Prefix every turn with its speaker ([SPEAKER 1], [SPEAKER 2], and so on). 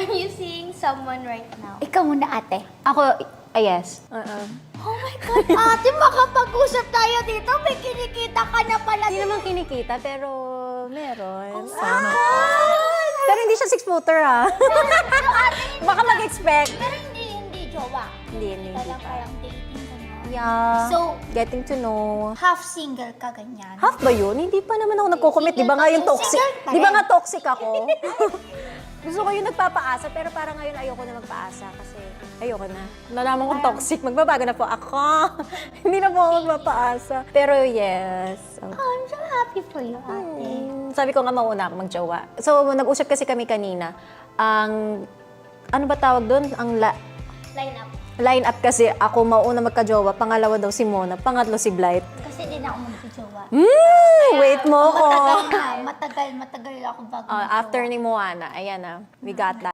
[SPEAKER 1] Are you seeing someone right now?
[SPEAKER 2] Ikaw muna, ate.
[SPEAKER 3] Ako, yes.
[SPEAKER 2] Oh my God, ate, makapag-usap tayo dito. May kinikita ka na pala.
[SPEAKER 3] Hindi naman kinikita, pero meron.
[SPEAKER 2] Sana.
[SPEAKER 3] Pero hindi siya 6-footer, ha? Baka mag-expect.
[SPEAKER 2] Pero hindi jowa.
[SPEAKER 3] Hindi
[SPEAKER 2] Parang
[SPEAKER 3] pa.
[SPEAKER 2] parang dating ka na.
[SPEAKER 3] Yeah.
[SPEAKER 2] So,
[SPEAKER 3] Getting to know.
[SPEAKER 2] half single ka ganyan.
[SPEAKER 3] Half ba yun? Hindi pa naman ako nagko-commit. Di ba nga yung toxic?
[SPEAKER 2] Single pa
[SPEAKER 3] Di ba
[SPEAKER 2] rin.
[SPEAKER 3] nga toxic ako? Gusto ko yung nagpapaasa, pero parang ngayon ayoko na magpaasa kasi ayoko na. Nalaman kong toxic, magbabago na po ako. Hindi na po ako magpapaasa. Pero yes.
[SPEAKER 2] Oh, I'm so happy for you, ate.
[SPEAKER 3] Sabi ko nga mauna ako magjowa. So, nag-usap kasi kami kanina. Ang, ano ba tawag doon? Ang
[SPEAKER 2] Line up.
[SPEAKER 3] line up kasi ako mauna magka-jowa, pangalawa daw si Mona, pangatlo si Blight.
[SPEAKER 2] Kasi din ako magjowa.
[SPEAKER 3] Wait mo ko.
[SPEAKER 2] Matagal ako bago
[SPEAKER 3] After ni Moana, ayan na, we got that.